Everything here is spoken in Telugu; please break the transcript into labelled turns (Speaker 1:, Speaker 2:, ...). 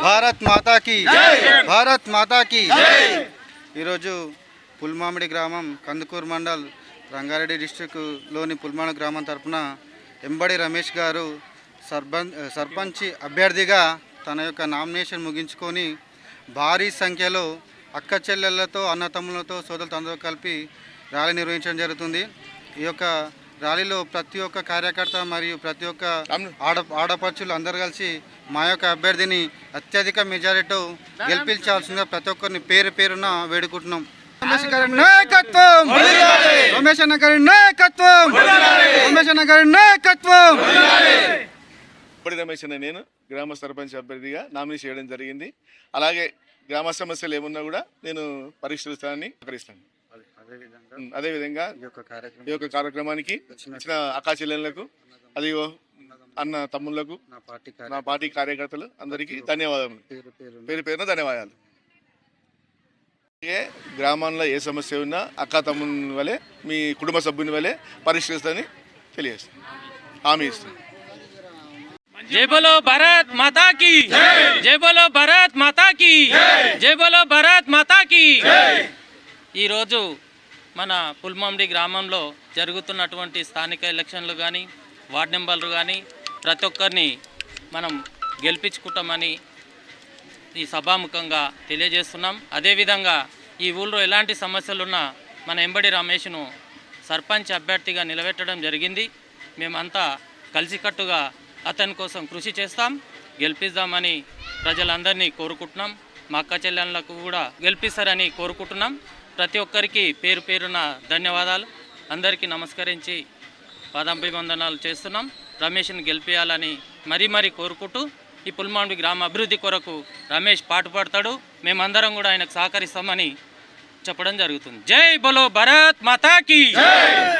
Speaker 1: భారత్ మాతాకి భారత్ మాతాకి ఈరోజు పుల్మామిడి గ్రామం కందుకూరు మండల్ రంగారెడ్డి డిస్ట్రిక్ట్లోని పుల్మామిడి గ్రామం తరఫున ఎంబడి రమేష్ గారు సర్పంచ్ అభ్యర్థిగా తన యొక్క నామినేషన్ ముగించుకొని భారీ సంఖ్యలో అక్క చెల్లెళ్లతో అన్నతమ్ములతో సోదరులతో అందరూ కలిపి ర్యాలీ నిర్వహించడం జరుగుతుంది. ఈ యొక్క ర్యాలీలో ప్రతి ఒక్క కార్యకర్త మరియు ప్రతి ఒక్క ఆడపడుచులు అందరు కలిసి మా యొక్క అభ్యర్థిని అత్యధిక మెజారిటీతో గెలిపించాల్సిందిగా ప్రతి ఒక్కరిని పేరు పేరున వేడుకుంటున్నాం. రమేష్ గారి నాయకత్వం, రమేష్ అన్న గారి నాయకత్వం, రమేష్ అన్న గారి నాయకత్వం.
Speaker 2: ఎంబడి రమేష్ అన్న నేను గ్రామ సర్పంచ్ అభ్యర్థిగా నామినేషన్ చేయడం జరిగింది. అలాగే గ్రామ సమస్యలు ఏమున్నా కూడా నేను పరిష్కరిస్తానని ప్రకటిస్తాను. అదేవిధంగా ఈ యొక్క కార్యక్రమానికి ఇచ్చిన అక్కా చెల్లెళ్లకు అది అన్న తమ్ముళ్లకు నా పార్టీ కార్యకర్తలు అందరికీ ధన్యవాదాలు, పేరు పేరున ధన్యవాదాలు. గ్రామాల్లో ఏ సమస్య ఉన్నా అక్కా తమ్ముని వలె మీ కుటుంబ సభ్యుని వలె పరిష్కరిస్తానని తెలియజేస్తాను, హామీ ఇస్తాను.
Speaker 3: జై బోలో భారత్ మాతా కీ, జై బోలో భారత్ మాతా కీ, జై బోలో భారత్ మాతా కీ. ఈరోజు మన పుల్మామిడి గ్రామంలో జరుగుతున్నటువంటి స్థానిక ఎలక్షన్లు కానీ వార్డు నెంబర్లు కానీ ప్రతి ఒక్కరిని మనం గెలిపించుకుంటామని ఈ సభాముఖంగా తెలియజేస్తున్నాం. అదేవిధంగా ఈ ఊళ్ళో ఎలాంటి సమస్యలున్నా మన ఎంబడి రమేష్ను సర్పంచ్ అభ్యర్థిగా నిలబెట్టడం జరిగింది. మేమంతా కలిసికట్టుగా అతని కోసం కృషి చేస్తాం, గెలిపిద్దామని ప్రజలందరినీ కోరుకుంటున్నాం. మా అక్క చెల్లెళ్ళకు కూడా గెలిపిస్తారని కోరుకుంటున్నాం. ప్రతి ఒక్కరికి పేరు పేరున ధన్యవాదాలు. అందరికీ నమస్కరించి పాదాభివందనాలు చేస్తున్నాం. రమేష్ని గెలిపించాలని మరీ కోరుకుంటూ ఈ పుల్మామిడి గ్రామ అభివృద్ధి కొరకు రమేష్ పాటుపడతాడు, మేమందరం కూడా ఆయనకు సహకరిస్తామని చెప్పడం జరుగుతుంది. జై బోలో భారత్ మాతా కీ.